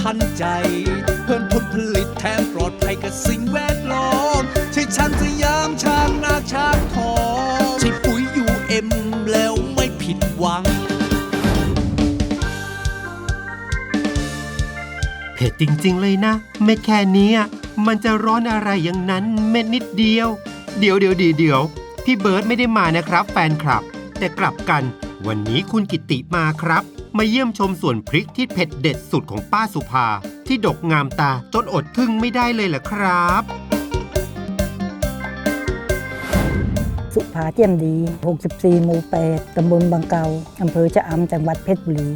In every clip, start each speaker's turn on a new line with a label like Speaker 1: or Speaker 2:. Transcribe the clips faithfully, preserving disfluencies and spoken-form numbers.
Speaker 1: ทันใจเพิ่มผลผลิตแถมปลอดภัยกับสิ่งแวดล้อมใช่ช้างสยามช้างนาช้างทองใช่ปุ๋ยยูเอ็มแล้วไม่ผิดหวัง
Speaker 2: เผ็ดจริงๆเลยนะเม็ดแค่นี้มันจะร้อนอะไรอย่างนั้นเม็ดนิดเดียวเดี๋ยวเดี๋ยวเดี๋ยวพี่เบิร์ดไม่ได้มานะครับแฟนคลับแต่กลับกันวันนี้คุณกิติมาครับมาเยี่ยมชมสวนพริกที่เผ็ดเด็ดสุดของป้าสุภาที่ดกงามตาจนอดทึ่งไม่ได้เลยล่ะครับ
Speaker 3: สุภาเจียมดีหกสิบสี่หมู่แปดตำบลบางเกาอำเภอชะอำจังหวัดเพชรบุรี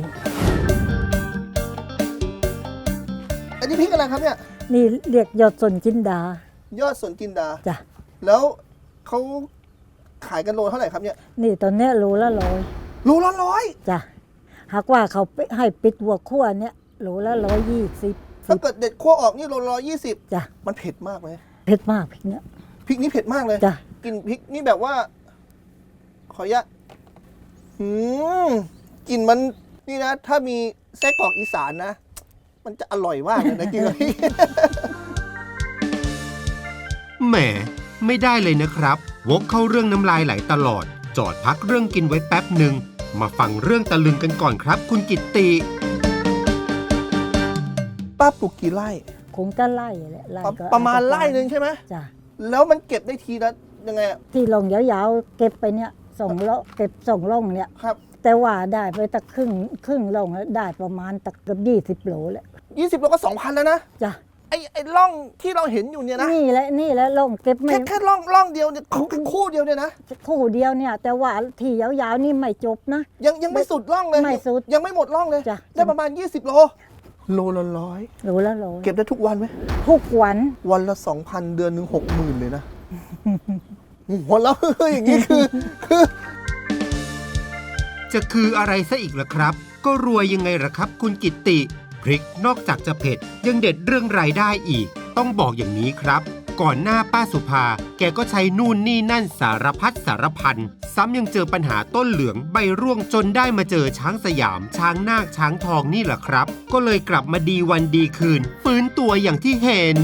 Speaker 4: อันนี้พริกอะไรครับเนี่ย
Speaker 3: นี่เรียกยอดสนจินดาย
Speaker 4: อดสนจินดา
Speaker 3: จ้ะ
Speaker 4: แล้วเขาขายกันโลเท่าไหร่ครับเนี่ย
Speaker 3: นี่ตอนนี้โลละร้อย
Speaker 4: โลละร้อย
Speaker 3: จ้ะหากว่าเขาให้ปิดหัวขั้วเนี่ยโลละร้อยยี่สิบ
Speaker 4: ถ้าเกิดเด็ดขั้วออกนี่โลละร้อยยี่สิบ
Speaker 3: จ้ะ
Speaker 4: มันเผ็ดมากไหม
Speaker 3: เผ็ดมากพริกเนี่ย
Speaker 4: พริกนี้เผ็ดมากเลย
Speaker 3: จ้ะ
Speaker 4: กลิ่นพริกนี่แบบว่าขออนุญาตหืมกลิ่นมันนี่นะถ้ามีไส้กรอกอีสานนะมันจะอร่อยมากเลยนะกินกับพริก
Speaker 2: แหมไม่ได้เลยนะครับวกเข้าเรื่องน้ำลายไหลตลอดจอดพักเรื่องกินไว้แป๊บหนึ่งมาฟังเรื่องตะลึงกันก่อนครับคุณกิตติ
Speaker 4: ป้าปลูกกี่ไร่
Speaker 3: คงจะไร่แหละไร่
Speaker 4: ก็ประมาณไร่หนึ่งใช่ไหม
Speaker 3: จ้ะ
Speaker 4: แล้วมันเก็บได้ทีละยังไง
Speaker 3: ที่ลงยาวๆเก็บไปเนี่ยส่งล่องเก็บส่งล่องเนี่ย
Speaker 4: ครับ
Speaker 3: แต่ว่าได้ไปตะครึ่งครึ่งล่องได้ประมาณตะเกือบยี่สิบโลแหละ
Speaker 4: ยี่สิบโลก็สองพันแล้วนะ
Speaker 3: จ้ะ
Speaker 4: ไอ้ไอ้ร่องที่เราเห็นอยู่เนี่ยนะ
Speaker 3: นี่แหละนี่แหละล่องเก็บไม่
Speaker 4: แค่แค่ร่องร่องเดียวเนี่ยคู่เดียวเนี่ยนะ
Speaker 3: คู่เดียวเนี่ยแต่ว่าที่ยาวๆนี่ไม่จบนะ
Speaker 4: ยังยังไม่สุดร่องเลย
Speaker 3: ไม่สุด
Speaker 4: ยังไม่หมดร่องเลย
Speaker 3: จ้ะ
Speaker 4: ได้ประมาณยี่สิบโลโลละร้อย
Speaker 3: โลละร้อย
Speaker 4: เก็บได้ทุกวันไหม
Speaker 3: ทุกวัน
Speaker 4: วันละสองพันเดือนหนึ่งหกหมื่นเลยนะหัวเราะอย่างนี้คือคือ
Speaker 2: จะคืออะไรซะอีกล่ะครับก็รวยยังไงล่ะครับคุณกิตติพริกนอกจากจะเผ็ดยังเด็ดเรื่องรายได้อีกต้องบอกอย่างนี้ครับก่อนหน้าป้าสุภาแกก็ใช้นู่นนี่นั่นสารพัดสารพันซ้ำยังเจอปัญหาต้นเหลืองใบร่วงจนได้มาเจอช้างสยามช้างนาคช้างทองนี่แหละครับก็เลยกลับมาดีวันดีคืนฟื้นตัวอย่างที่เห็น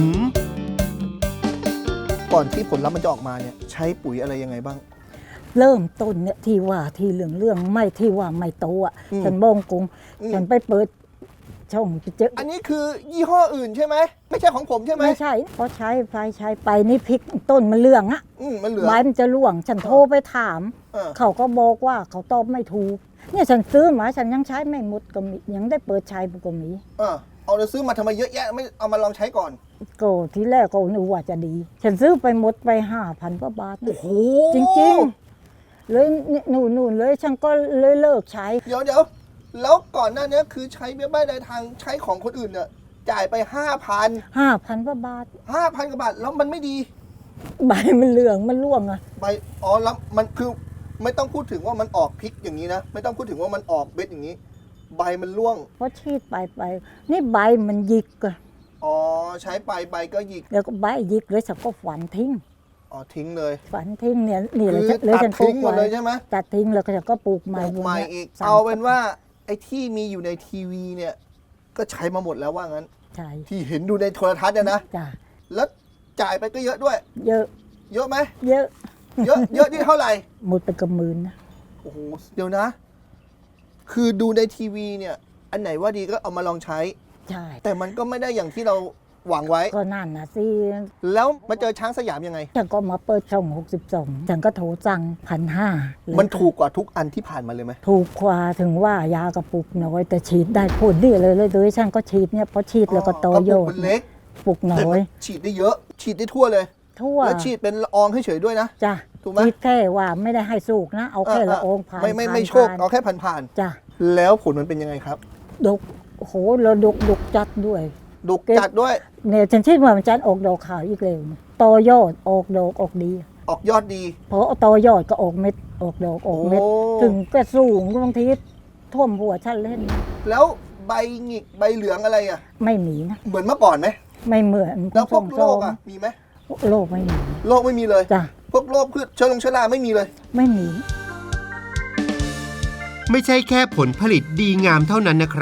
Speaker 4: ก่อนที่ผลลัพธ์มันจะออกมาเนี่ยใช้ปุ๋ยอะไรยังไงบ้าง
Speaker 3: เริ่มต้นเนี่ยที่ว่าที่เหลืองเรื่องไม่ที่ว่าไม่โตอ่ะฉันบองกงฉันไปเปิดช่องไปเจอ
Speaker 4: อันนี้คือยี่ห้ออื่นใช่ไหมไม่ใช่ของผมใช่ไหม
Speaker 3: ไม่ใช่เพราะใช้ไฟใช้ไปนี่พริกต้นมันเหลืองอ่ะ
Speaker 4: มันเหลือง
Speaker 3: ใบมันจะร่วงฉันโทรไปถามเขาก็บอกว่าเขาตอบไม่ถูกเนี่ยฉันซื้อมาฉันยังใช้ไม่หมดก็มียังได้เปิดใช้ก็มี
Speaker 4: เออเอาเราซื้อมาทำไมเยอะแยะไม่เอามาลองใช้ก่อน
Speaker 3: ก็ทีแรกก็นึกว่าจะดีฉันซื้อไปหมดไปห้าพันกว่าบาท
Speaker 4: โอ้โห
Speaker 3: จริงๆเลยนู่นนู่นเลยฉันก็เลยเลิกใช้
Speaker 4: เดี๋ยวเดี๋ยวแล้วก่อนหน้านี้คือใช้เบี้ยบ้ายรายทางใช้ของคนอื่นเนี่ยจ่ายไปห้าพัน
Speaker 3: ห้าพันกว่าบาท
Speaker 4: ห้าพันกว่าบาทแล้วมันไม่ดี
Speaker 3: ใบมันเหลืองมันร่วงอะ
Speaker 4: ใบอ๋อแล้วมันคือไม่ต้องพูดถึงว่ามันออกพริกอย่างนี้นะไม่ต้องพูดถึงว่ามันออกเบ็ดอย่างนี้ใบมันร่วง
Speaker 3: เพราะฉีดไปไปนี่ใบมันหยิกอะ
Speaker 4: อ๋อใช้ไปใบก็หยิก
Speaker 3: แล้วก็ใบหยิกเลยฉันก็ฝันทิ้ง
Speaker 4: อ๋อทิ้งเลย
Speaker 3: ฝันทิ้งเนี่ยนี่เลย
Speaker 4: เลยฉันปลูกหมดเลยใช่ไหม
Speaker 3: ตัดทิ้งแล้วก็ฉันก็ปลูกใหม่
Speaker 4: ใหม่อีกเอาเป็นว่าไอ้ที่มีอยู่ในทีวีเนี่ยก็ใช้มาหมดแล้วว่างั้น
Speaker 3: ใช่
Speaker 4: ที่เห็นดูในโทรทัศน์เนี่ยนะ
Speaker 3: จ้ะ
Speaker 4: แล้วจ่ายไปก็เยอะด้วย
Speaker 3: เยอะ
Speaker 4: เยอะไหม
Speaker 3: เยอะ
Speaker 4: เยอะเยอะที่เท่าไหร่
Speaker 3: หมดไปกับหมื่นนะ
Speaker 4: โอ้โหเดี๋ยวนะคือดูในทีวีเนี่ยอันไหนว่าดีก็เอามาลองใช้
Speaker 3: ใช่
Speaker 4: แต่มันก็ไม่ได้อย่างที่เราหวังไว้
Speaker 3: ก็นั่นนะสิ
Speaker 4: แล้วมาเจอช้างสยามยังไง
Speaker 3: ฉันก็มาเปิดช่องหกสิบสองฉันก็โทรสั่งพันห้า
Speaker 4: มันถูกกว่าทุกอันที่ผ่านมาเลยไหม
Speaker 3: ถูกกว่าถึงว่ายากระปุกน้อยแต่ฉีดได้ผลดีเลยเลยโดยฉันก็ฉีดเนี่ยพอฉีดแล้วก็โตโย
Speaker 4: กเล็ก
Speaker 3: ปุกน้อย
Speaker 4: ฉีดได้เยอะฉีดได้ทั่วเลย
Speaker 3: ทั่ว
Speaker 4: แล้วฉีดเป็นละอองเฉยๆด้วยนะ
Speaker 3: จ้ะ
Speaker 4: ถูกไหม
Speaker 3: ฉีดแค่ว่าไม่ได้ให้สูกนะเอาแค่ละอองผ่าน
Speaker 4: ไม่ไม่ไม่โชคเอาแค่ผ่าน
Speaker 3: ๆจ้ะ
Speaker 4: แล้วผลมันเป็นยังไงครับ
Speaker 3: ดกโหเราดกดกจัดด้วย
Speaker 4: ดกจัดด้วย
Speaker 3: เนี่ยฉันคิดว่ามันจะออกดอกขาวอีกเร็วโตยอดออกดอกออกดี
Speaker 4: ออกยอดดี
Speaker 3: เพราะโตยอดก็ออกเม็ดออกดอกออกเม็ดถึงก็สูงบางทีท่วมหัวฉันเล่น
Speaker 4: แล้วใบหงิกใบเหลืองอะไรอ่ะ
Speaker 3: ไม่มีนะ
Speaker 4: เหมือนเมื่อก่อนไหม
Speaker 3: ไม่เหมือน
Speaker 4: แล้วพวกโรคอ่ะมีไหม
Speaker 3: โรคไม่มี
Speaker 4: โรคไม่มีเลย
Speaker 3: จ้ะ
Speaker 4: พวกโรคพืชเชื้อลงเชื้อราไม่มีเลย
Speaker 3: ไม่มี
Speaker 2: ไม่ใช่แค่ผลผลิตดีงามเท่านั้นนะครับ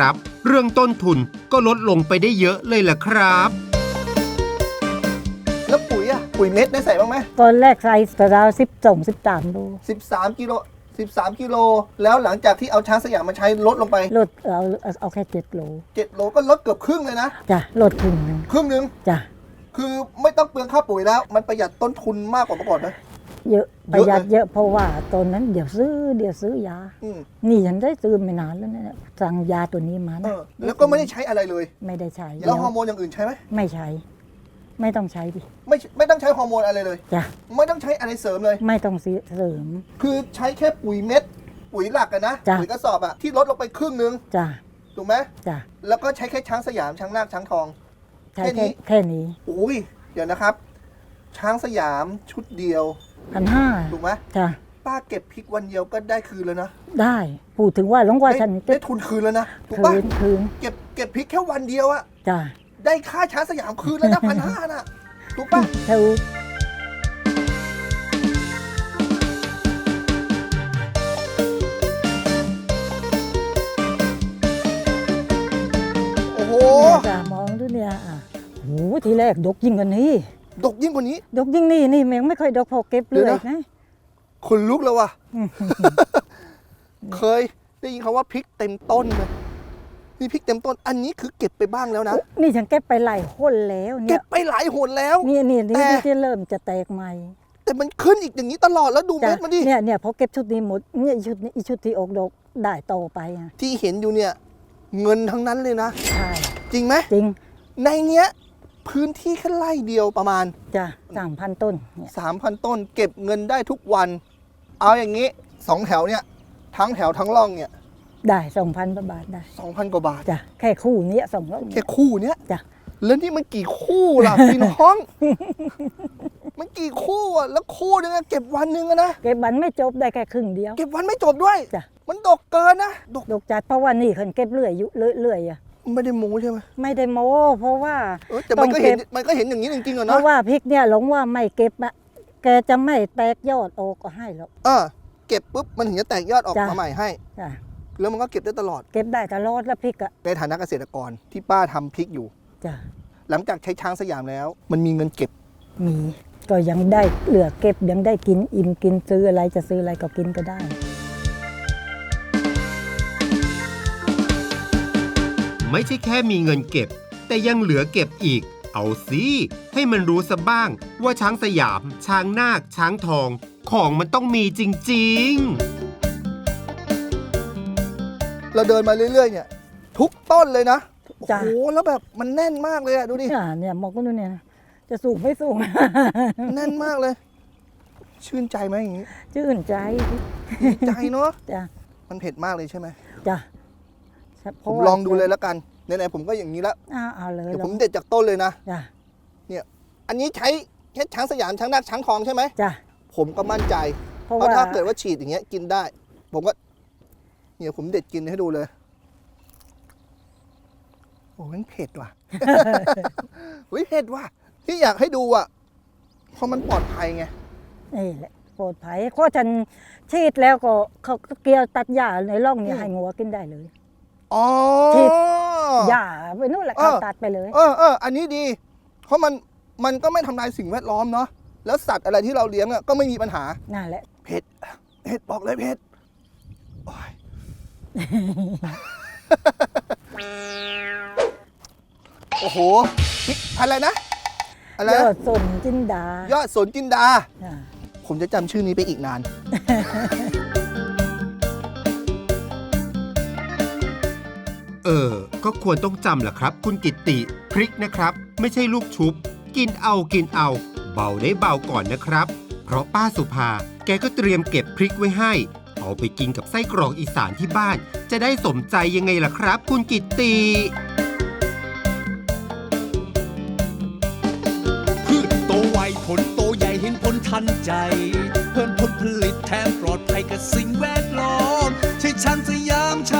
Speaker 2: เรื่องต้นทุนก็ลดลงไปได้เยอะเลยล่ะครับ
Speaker 4: แล้วปุ๋ยอะปุ๋ยเม็ดได้ใส่บ้างไหม
Speaker 3: ตอนแรกใส่กระดาวสิบสองสิบสามโล
Speaker 4: สิบสามกิโลสิบสามกิโลแล้วหลังจากที่เอาช้างสยามมาใช้ลดลงไป
Speaker 3: ลดเอาเอาเอาแค่เจ็ดโล
Speaker 4: เจ็ดโลก็ลดเกือบครึ่งเลยนะ
Speaker 3: จ้ะลดครึ่งหนึ่ง
Speaker 4: ครึ่งหนึง
Speaker 3: จ้ะ
Speaker 4: คือไม่ต้องเปลืองค่าปุ๋ยแล้ว มันประหยัดต้นทุนมากกว่าเมื่อก่อนนะ
Speaker 3: เยอะ
Speaker 4: เย
Speaker 3: ป
Speaker 4: อะ
Speaker 3: ระหยัด
Speaker 4: เลย
Speaker 3: เยอะเพราะว่าตอนนั้นเดี๋ยวซื้อเดี๋ยวซื้อยา
Speaker 4: อืม
Speaker 3: นี่ฉันได้ซื้อไม่นานแล้วเนี่ยสั่งยาตัวนี้มา
Speaker 4: เอ
Speaker 3: นะ
Speaker 4: อแล้วก็ไม่ได้ใช้อะไรเลย
Speaker 3: ไม่ได้ใช้
Speaker 4: แล้วฮอร์โมนอย่างอื่นใช้ไหม
Speaker 3: ไม่ใช้ ไม่ต้องใช้ดิ
Speaker 4: ไม่ไม่ต้องใช้ฮอร์โมนอะไรเลย
Speaker 3: จ้ะ
Speaker 4: ไม่ต้องใช้อะไรเสริมเลย
Speaker 3: ไม่ต้องซื้อเสริม
Speaker 4: คือใช้แค่ปุ๋ยเม็ด ปุ๋ยหลักกันนะ
Speaker 3: จ้ะ
Speaker 4: ปุ๋ยกระสอบอะที่ลดลงไปครึ่งนึง
Speaker 3: จ้ะ
Speaker 4: ถูกไหม
Speaker 3: จ้ะ
Speaker 4: แล้วก็ใช้แค่ช้างสยามช้างนาคช้างทอง
Speaker 3: ใช้
Speaker 4: แค่นี้
Speaker 3: แค่แค่นี้
Speaker 4: โอ้ยเดี๋ยวนะครับ ช้างสยามชุดเดียว
Speaker 3: พันห้า
Speaker 4: ถูกไหม
Speaker 3: จ้ะ
Speaker 4: ป้าเก็บพริกวันเดียวก็ได้คืนแล้วนะ
Speaker 3: ได้พูดถึงว่าหลวงว่า
Speaker 4: ได้
Speaker 3: ฉัน
Speaker 4: ได้ทุนคืนแล้วนะถูก
Speaker 3: คื
Speaker 4: ปะ
Speaker 3: นคืน
Speaker 4: เก็บเก็บพริกแค่วันเดียวอะ
Speaker 3: จ้ะ
Speaker 4: ได้ค่าช้างสยามคืนแล้วนะ พันห้าน่ะถูกปะ
Speaker 3: เธอ
Speaker 4: โอ้โห
Speaker 3: เนี่ยจ้ะมองดูเนี่ยอ่ะโหทีแรกดกยิ่งกว่านี้
Speaker 4: ดกยิ่งกว่านี้
Speaker 3: ดกยิ่งนี่นี่แมงไม่ค่อยดกพอเก็บเล
Speaker 4: เดี๋ย
Speaker 3: ยว
Speaker 4: นะ
Speaker 3: นะ
Speaker 4: คนลุกแล้วว่ะ เคยได้ยินคำว่าพริกเต็มต้นเลยนี่พริกเต็มต้น อันนี้คือเก็บไปบ้างแล้วนะ
Speaker 3: นี่ฉันเก็บไปหลายหนแล้ว
Speaker 4: เก็
Speaker 3: เนี่
Speaker 4: บ
Speaker 3: ย
Speaker 4: ไปหลายหนแล้ว
Speaker 3: นี่นี่นี่
Speaker 4: แต่
Speaker 3: ที่เริ่มจะแตกใหม่
Speaker 4: แต่มันขึ้นอีกอย่างนี้ตลอดแล้วดู
Speaker 3: จ้ะ
Speaker 4: เม็ดมันดิ
Speaker 3: เนี่ยเนี่ยพอเก็บชุดนี้หมดเนี่ยชุดนี้อีชุดที่ออกดอกได้โตไปอ่ะ
Speaker 4: ที่เห็นอยู่เนี่ย เงินทั้งนั้นเลยนะ
Speaker 3: ใช่
Speaker 4: จริงไหม
Speaker 3: จริง
Speaker 4: ในเนี้ย พื้นที่แค่ไร่เดียวประมาณ
Speaker 3: จ้ะสามพันต้นเนี่ย
Speaker 4: สามพัน ต้น เก็บเงินได้ทุกวัน เอาอย่างนี้สองแถวเนี่ย ทั้งแถวทั้งร่องเนี่ย
Speaker 3: ได้สองพันบาทได้
Speaker 4: สองพันกว่าบาท
Speaker 3: จ้ะแค่คู่เนี้ยสองร้อย
Speaker 4: แค่คู่เนี้ย
Speaker 3: จ้ะ
Speaker 4: แล้วนี่มันกี่คู่ล่ะ พี่น้อง มันกี่คู่อ่ะแล้วคู่นึงอะเก็บวันหนึ่งอะนะ
Speaker 3: เก็บบันไม่จบได้แค่ครึ่งเดียว
Speaker 4: เก็บวันไม่จบด้วย
Speaker 3: จ้ะ
Speaker 4: มันดกเกินนะดก
Speaker 3: ดกจัดเพราะว่านี่คนเก็บเรื่อยอยู่เรื่อยๆอ่ะ
Speaker 4: ไม่ได้โม้ใช่ไหม
Speaker 3: ไม่ได้โม้เพราะว่า
Speaker 4: เออแต่มันก็เห็น
Speaker 3: ต้องเก็บ
Speaker 4: มันก็เห็นอย่างนี้จริงๆอะ
Speaker 3: เพ
Speaker 4: เนาะ
Speaker 3: ราะว่าพริกเนี่ยหลงว่าไม่เก็บอะแกจะไม่แตกยอดออกก็ให้หรอก
Speaker 4: เออเก็บปุ๊บมันถึงจะแตกยอดออก
Speaker 3: จ้ะ
Speaker 4: มาใหม่ให้
Speaker 3: จ้ะ
Speaker 4: แล้วมันก็เก็บได้ตลอด
Speaker 3: เก็บได้ตลอดแล้วพริกอะ
Speaker 4: ในฐานะเกษตรกรที่ป้าทำพริกอยู่
Speaker 3: จ้ะ
Speaker 4: หลังจากใช้ช้างสยามแล้ว มันมีเงินเก็บ
Speaker 3: มีก็ยังได้เหลือเก็บยังได้กินอิ่มกินซื้ออะไรจะซื้ออะไรก็กินก็ได้
Speaker 2: ไม่ใช่แค่มีเงินเก็บ แต่ยังเหลือเก็บอีก เอาสิให้มันรู้ซะบ้างว่าช้างสยาม ช้างนาค ช้างทอง ของมันต้องมีจริงๆ
Speaker 4: เราเดินมาเรื่อยๆเนี่ย ทุกต้นเลยนะโอ้
Speaker 3: จ้ะ
Speaker 4: โหแล้วแบบมันแน่นมากเลยอะดูดิ
Speaker 3: เนี่ยเนี่ยมองก็ดูเนี่ยนะจะสูงไม่สูง
Speaker 4: แน่นมากเลย ชื่นใจไหมอย่างนี้
Speaker 3: ชื่นใจ
Speaker 4: ดีใจเนาะ
Speaker 3: จ้ะ
Speaker 4: มันเผ็ดมากเลยใช่ไหม
Speaker 3: จ้ะ
Speaker 4: ผมลองดูเลยแล้วกันไหนๆผมก็อย่างนี้แล้ว
Speaker 3: อ้าวเอาเลย
Speaker 4: เดี๋ยว
Speaker 3: ล
Speaker 4: ผ
Speaker 3: อง
Speaker 4: มเด็ดจากต้นเลยนะ
Speaker 3: จ้ะ
Speaker 4: อันนี้ใช้แค่ช้างสยามช้างนาคช้างทองใช่ไหม
Speaker 3: จ้ะ
Speaker 4: ผมก็มั่นใจ
Speaker 3: เพราะ
Speaker 4: เพราะ
Speaker 3: ว่า
Speaker 4: ถ้าเกิดว่าฉีดอย่างเงี้ยกินได้ ผมก็เนี่ยผมเด็ดกินให้ดูเลย โอ้มันเผ็ดว่ะ เฮ้ยเผ็ดว่ะที่อยากให้ดูอ่ะเพราะมันปลอดภัยไง
Speaker 3: นี่แหละปลอดภัยเพราะฉันฉีดแล้วก็เขาก็เกี่ยวตัดหญ้าในร่องเนี่ยให้งัวกินได้เลย
Speaker 4: อ๋อ
Speaker 3: ฉีด หญ้าไปนู่นแหละ
Speaker 4: เอ
Speaker 3: เขา
Speaker 4: อ
Speaker 3: ตัดไปเลย
Speaker 4: เออเอออันนี้ดี เพราะมันมันก็ไม่ทำลายสิ่งแวดล้อมเนาะแล้วสัตว์อะไรที่เราเลี้ยงอ่ะก็ไม่มีปัญหา
Speaker 3: นั่นแหละ
Speaker 4: เผ็ดเผ็ดบอกเลยเผ็ดโอ้ย โอ้โหพริกอะไรนะ อะไร
Speaker 3: ย
Speaker 4: นะ
Speaker 3: อดสนจินดาย
Speaker 4: อดสนจินดา
Speaker 3: อ่า
Speaker 4: ผมจะจำชื่อนี้ไปอีกนาน
Speaker 2: เออ ก็ควรต้องจำแหละครับ คุณกิตติ พริกนะครับ ไม่ใช่ลูกชุบ กินเอากินเอา เบาได้เบาก่อนนะครับ เพราะป้าสุภา แกก็เตรียมเก็บพริกไว้ให้ เอาไปกินกับไส้กรอกอีสานที่บ้าน จะได้สมใจยังไงล่ะครับ คุณกิตติ
Speaker 1: พืชโตไวผลโตใหญ่เห็นผลทันใจ เพิ่มผลผลิตแถมปลอดภัยกับสิ่งแวดล้อมใช่ช้างสยาม